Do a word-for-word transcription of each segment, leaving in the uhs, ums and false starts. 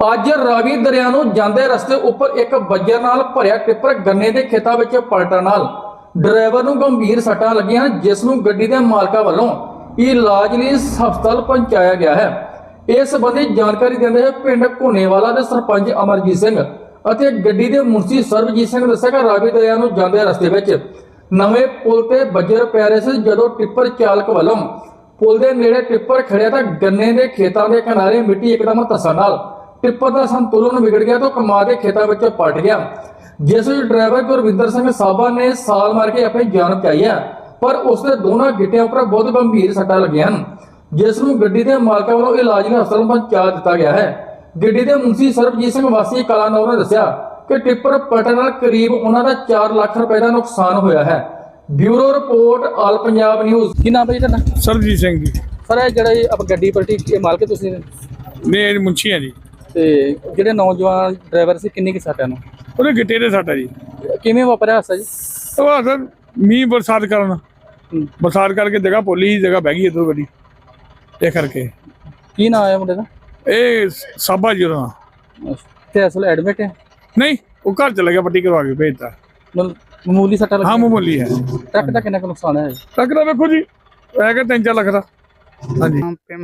ਅੱਜ ਰਾਵੀ ਦਰਿਆ ਨੂੰ ਜਾਂਦੇ ਰਸਤੇ ਉੱਪਰ ਇੱਕ ਬੱਜਰ ਨਾਲ ਭਰਿਆ ਟਿੱਪਰ ਗੰਨੇ ਦੇ ਖੇਤਾਂ ਵਿੱਚ ਪਲਟਣ ਨਾਲ ਡਰਾਈਵਰ ਨੂੰ ਗੰਭੀਰ ਸੱਟਾਂ ਲੱਗੀਆਂ, ਜਿਸ ਨੂੰ ਗੱਡੀ ਦੇ ਮਾਲਕਾਂ ਵੱਲੋਂ ਇਲਾਜ ਲਈ ਹਸਪਤਾਲ ਪਹੁੰਚਾਇਆ ਗਿਆ ਹੈ। ਇਸ ਸੰਬੰਧੀ ਜਾਣਕਾਰੀ ਦਿੰਦੇ ਹੋਏ ਪਿੰਡ ਘੁਨੇਵਾਲਾ ਦੇ ਸਰਪੰਚ ਅਮਰਜੀਤ ਸਿੰਘ ਅਤੇ ਗੱਡੀ ਦੇ ਮੁਨਸੀ ਸਰਬਜੀਤ ਸਿੰਘ ਦੱਸਿਆ ਕਿ ਰਾਵੀ ਦਰਿਆ ਨੂੰ ਜਾਂਦੇ ਰਸਤੇ ਵਿੱਚ ਨਵੇਂ ਪੁਲ ਤੇ ਬੱਜਰ ਪੈ ਰਹੇ ਸੀ। ਜਦੋਂ ਟਿੱਪਰ ਚਾਲਕ ਵੱਲੋਂ ਪੁਲ ਦੇ ਨੇੜੇ ਟਿੱਪਰ ਖੜਿਆ ਤਾਂ ਗੰਨੇ ਦੇ ਖੇਤਾਂ ਦੇ ਕਿਨਾਰੇ ਮਿੱਟੀ ਇੱਕਦਮ ਧੱਸਣ ਨਾਲ ਟਿੱਪਰ ਦਾ ਸੰਤੁਲਨ ਵਿਗੜ ਗਿਆ ਤੇ ਕਮਾ ਦੇ ਖੇਤਾਂ ਵਿੱਚ ਪਲਟ ਗਿਆ, ਜਿਸ ਵਿੱਚ ਡਰਾਈਵਰ ਗੁਰਵਿੰਦਰ ਸਿੰਘ ਸਾਬਾ ਨੇ ਸਾਲ ਮਾਰ ਕੇ ਆਪਣੀ ਜਾਨ ਬਚਾਈ ਹੈ, ਪਰ ਉਸ ਦੇ ਦੋਨਾਂ ਗਿੱਟਿਆਂ ਉੱਪਰ ਬਹੁਤ ਗੰਭੀਰ ਸੱਟਾਂ ਲੱਗੀਆਂ ਹਨ, ਜਿਸ ਨੂੰ ਗੱਡੀ ਦੇ ਮਾਲਕਾਂ ਵੱਲੋਂ ਇਲਾਜ ਲਈ ਹਸਪਤਾਲ ਪਹੁੰਚਾ ਦਿੱਤਾ ਗਿਆ ਹੈ। ਗੱਡੀ ਦੇ ਮੁਨਸੀ ਸਰਬਜੀਤ ਸਿੰਘ ਵਾਸੀ ਕਲਾਨੌਰ ਨੇ ਦੱਸਿਆ ਕਿ ਟਿੱਪਰ ਪਲਟਣ ਨਾਲ ਕਰੀਬ ਉਹਨਾਂ ਦਾ ਚਾਰ ਲੱਖ ਰੁਪਏ ਦਾ ਨੁਕਸਾਨ ਹੋਇਆ ਹੈ। Bureau report all Punjab news. ਕੀ ਨਾਮ ਹੈ ਜੀ ਤੁਹਾਡਾ? ਸਰਬਜੀਤ ਸਿੰਘ ਜੀ। ਸਰ ਇਹ ਜਿਹੜਾ ਇਹ ਆਪ ਗੱਡੀ ਪਲਟੀ ਇਹ ਮਾਲਕ ਤੁਸੀਂ ਨੇ? ਨੇ ਮੁੰਸ਼ੀ ਆ ਜੀ। ਤੇ ਜਿਹੜੇ ਨੌਜਵਾਨ ਡਰਾਈਵਰ ਸੀ ਕਿੰਨੀ ਕਿ ਸੱਟਾਂ ਨੂੰ? ਉਹਦੇ ਗਿੱਟੇ ਦੇ ਸੱਟ ਆ ਜੀ। ਕਿਵੇਂ ਵਾਪਰਿਆ ਹਾਦਸਾ ਜੀ? ਉਹ ਸਰ ਮੀਂਹ ਬਰਸਾਤ ਕਰਨ ਬਰਸਾਤ ਕਰਕੇ ਜਗ੍ਹਾ ਪੋਲੀ ਜਗ੍ਹਾ ਬਹਿ ਗਈ ਇੱਧਰੋਂ ਗੱਡੀ, ਇਹ ਕਰਕੇ। ਕੀ ਨਾਮ ਆਇਆ ਮੁੰਡੇ ਦਾ? ਇਹ ਸਾਬਾ ਜੀ ਉਹਦਾ। ਤੇ ਅਸਲ ਐਡਮਿਟ ਹੈ? ਨਹੀਂ, ਉਹ ਘਰ ਚਲਾ ਗਿਆ, ਪੱਟੀ ਕਰਵਾ ਕੇ ਭੇਜਤਾ। ਮਤਲਬ ਮਾਮੂਲੀ ਸੱਟਾਂ ਲੱਗੀਆਂ? ਹਾਂ ਮਾਮੂਲੀ ਹੈ। ਟਰੱਕ ਦਾ ਕਿੰਨਾ ਕੁ ਨੁਕਸਾਨ ਹੈ? ਟਰੱਕ ਦਾ ਵੇਖੋ ਜੀ ਹੈਗਾ ਤਿੰਨ ਚਾਰ ਲੱਖ ਦਾ। ਹਾਂਜੀ।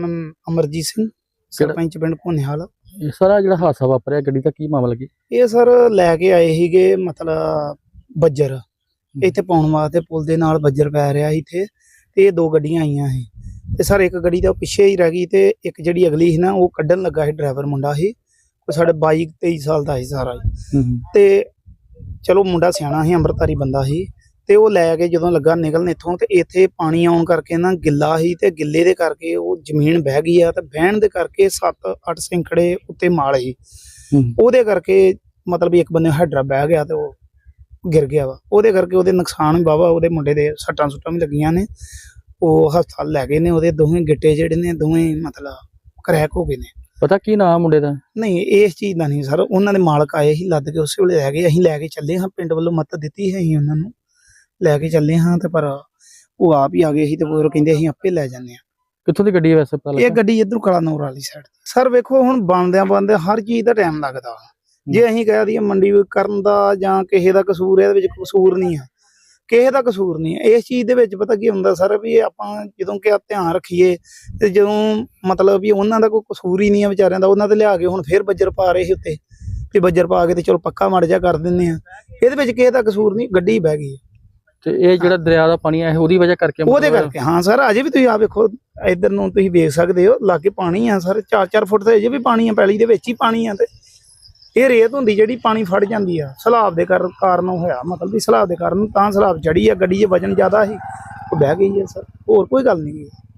ਅਮਰਜੀਤ ਸਿੰਘ, ਸਰਪੰਚ ਪਿੰਡ ਘੁਨੇਵਾਲਾ। ਸਾਰਾ ਜਿਹੜਾ ਹਾਦਸਾ ਵਾਪਰਿਆ ਗੱਡੀ ਦਾ ਕੀ ਮਾਮਲਾ ਕੀ? ਇਹ ਸਰ ਲੈ ਕੇ ਆਏ ਸੀਗੇ ਮਤਲਬ ਬੱਜਰ ਇੱਥੇ ਪਾਉਣ ਵਾਸਤੇ, ਪੁਲ ਦੇ ਨਾਲ ਬੱਜਰ ਪੈ ਰਿਹਾ ਸੀ ਇੱਥੇ, ਤੇ ਇਹ ਦੋ ਗੱਡੀਆਂ ਆਈਆਂ ਸੀ ਤੇ ਸਰ ਇੱਕ ਗੱਡੀ ਤਾਂ ਪਿੱਛੇ ਹੀ ਰਹਿ ਗਈ ਤੇ ਇੱਕ ਜਿਹੜੀ ਅਗਲੀ ਸੀ ਨਾ ਉਹ ਕੱਢਣ ਲੱਗਾ ਸੀ। ਡਰਾਈਵਰ ਮੁੰਡਾ ਸੀ, ਉਹ ਸਾਡੇ ਬਾਈ ਤੇਈ ਸਾਲ ਦਾ ਸੀ ਸਾਰਾ ਹੀ। ਤੇ ਚਲੋ ਮੁੰਡਾ ਸਿਆਣਾ ਸੀ, ਅੰਮ੍ਰਿਤਧਾਰੀ ਬੰਦਾ ਸੀ, ਤੇ ਉਹ ਲੈ ਕੇ ਜਦੋਂ ਲੱਗਾ ਨਿਕਲਣ ਇੱਥੋਂ ਤੇ ਇੱਥੇ ਪਾਣੀ ਆਉਣ ਕਰਕੇ ਨਾ ਗਿੱਲਾ ਸੀ ਤੇ ਗਿੱਲੇ ਦੇ ਕਰਕੇ ਉਹ ਜ਼ਮੀਨ ਬਹਿ ਗਈ ਆ ਤੇ ਬਹਿਣ ਦੇ ਕਰਕੇ ਸੱਤ ਅੱਠ ਸਿੰਖੜੇ ਉੱਤੇ ਮਾਲ ਸੀ, ਉਹਦੇ ਕਰਕੇ ਮਤਲਬ ਇੱਕ ਬੰਦੇ ਹੈਡਰਾ ਬਹਿ ਗਿਆ ਤੇ ਉਹ ਗਿਰ ਗਿਆ ਵਾ। ਉਹਦੇ ਕਰਕੇ ਉਹਦੇ ਨੁਕਸਾਨ ਵੀ ਵਾਹਵਾ, ਉਹਦੇ ਮੁੰਡੇ ਦੇ ਸੱਟਾਂ ਸੁੱਟਾਂ ਵੀ ਲੱਗੀਆਂ ਨੇ, ਉਹ ਹਸਪਤਾਲ ਲੈ ਗਏ ਨੇ। ਉਹਦੇ ਦੋਵੇਂ ਗਿੱਟੇ ਜਿਹੜੇ ਨੇ ਦੋਵੇਂ ਮਤਲਬ ਕਰੈਕ ਹੋ ਗਏ ਨੇ। ਪਤਾ ਕੀ ਨਾਮ ਮੁੰਡੇ ਦਾ? ਨਹੀਂ ਇਸ ਚੀਜ਼ ਦਾ ਨਹੀਂ ਸਰ, ਉਹਨਾਂ ਦੇ ਮਾਲਕ ਆਏ ਸੀ ਲੱਦ ਕੇ, ਉਸੇ ਵੇਲੇ ਲੈ ਗਏ। ਅਸੀਂ ਲੈ ਕੇ ਚੱਲੇ ਹਾਂ, ਪਿੰਡ ਵੱਲੋਂ ਮਦਦ ਦਿੱਤੀ ਹੈ, ਅਸੀਂ ਉਹਨਾਂ ਨੂੰ ਲੈ ਕੇ ਚੱਲੇ ਹਾਂ ਤੇ ਪਰ ਉਹ ਆਪ ਹੀ ਆ ਗਏ ਸੀ ਤੇ ਉਹ ਕਹਿੰਦੇ ਅਸੀਂ ਆਪੇ ਲੈ ਜਾਂਦੇ ਹਾਂ। ਕਿੱਥੋਂ ਦੀ ਗੱਡੀ ਹੈ ਵੈਸੇ ਪਤਾ? ਇਹ ਗੱਡੀ ਇੱਧਰੋਂ ਕਲਾਨੌਰ ਵਾਲੀ ਸਾਈਡ। ਸਰ ਵੇਖੋ ਹੁਣ ਬਣਦਿਆਂ ਬਣਦੇ ਹਰ ਚੀਜ਼ ਦਾ ਟਾਈਮ ਲੱਗਦਾ। ਜੇ ਅਸੀਂ ਕਹਿ ਦਈਏ ਮੰਡੀ ਕਰਨ ਦਾ ਜਾਂ ਕਿਸੇ ਦਾ ਕਸੂਰ, ਇਹਦੇ ਵਿੱਚ ਕਸੂਰ ਨਹੀਂ ਆ, ਕਿਸੇ ਦਾ ਕਸੂਰ ਨਹੀਂ ਹੈ। ਇਸ ਚੀਜ਼ ਦੇ ਵਿੱਚ ਪਤਾ ਕੀ ਹੁੰਦਾ ਸਰ, ਵੀ ਆਪਾਂ ਜਦੋਂ ਕਿ ਧਿਆਨ ਰੱਖੀਏ ਤੇ ਜਦੋਂ ਮਤਲਬ ਵੀ ਉਹਨਾਂ ਦਾ ਕੋਈ ਕਸੂਰ ਹੀ ਨਹੀਂ ਆ ਵਿਚਾਰਿਆਂ ਦਾ, ਉਹਨਾਂ ਤੇ ਲਿਆ ਕੇ ਹੁਣ ਫੇਰ ਬੱਜਰ ਪਾ ਰਹੇ ਸੀ ਉੱਤੇ, ਤੇ ਬੱਜਰ ਪਾ ਕੇ ਤੇ ਚਲੋ ਪੱਕਾ ਮੜ ਜਾ ਕਰ ਦਿੰਦੇ ਆ। ਇਹਦੇ ਵਿੱਚ ਕਿਸੇ ਦਾ ਕਸੂਰ ਨਹੀਂ, ਗੱਡੀ ਬਹਿ ਗਈ। ਤੇ ਇਹ ਜਿਹੜਾ ਦਰਿਆ ਦਾ ਪਾਣੀ ਹੈ ਉਹਦੀ ਵਜ੍ਹਾ ਕਰਕੇ? ਉਹਦੇ ਕਰਕੇ ਹਾਂ ਸਰ। ਅਜੇ ਵੀ ਤੁਸੀਂ ਆ ਵੇਖੋ ਇੱਧਰ ਨੂੰ ਤੁਸੀਂ ਵੇਖ ਸਕਦੇ ਹੋ, ਲਾਗੇ ਪਾਣੀ ਆ ਸਰ, ਚਾਰ ਚਾਰ ਫੁੱਟ ਤੇ ਅਜੇ ਵੀ ਪਾਣੀ ਆ, ਪੈਲੀ ਦੇ ਵਿੱਚ ਹੀ ਪਾਣੀ ਆ। ਤੇ ਇਹ ਰੇਤ ਹੁੰਦੀ ਜਿਹੜੀ ਪਾਣੀ ਫੜ ਜਾਂਦੀ ਆ, ਸਲਾਬ ਦੇ ਕਾਰਨ ਹੋਇਆ, ਮਤਲਬ ਵੀ ਸਲਾਬ ਦੇ ਕਾਰਨ ਤਾਂ ਸਲਾਬ ਚੜੀ ਆ, ਗੱਡੀ 'ਚ ਵਜਨ ਜ਼ਿਆਦਾ ਸੀ, ਉਹ ਬਹਿ ਗਈ ਹੈ ਸਰ, ਹੋਰ ਕੋਈ ਗੱਲ ਨਹੀਂ।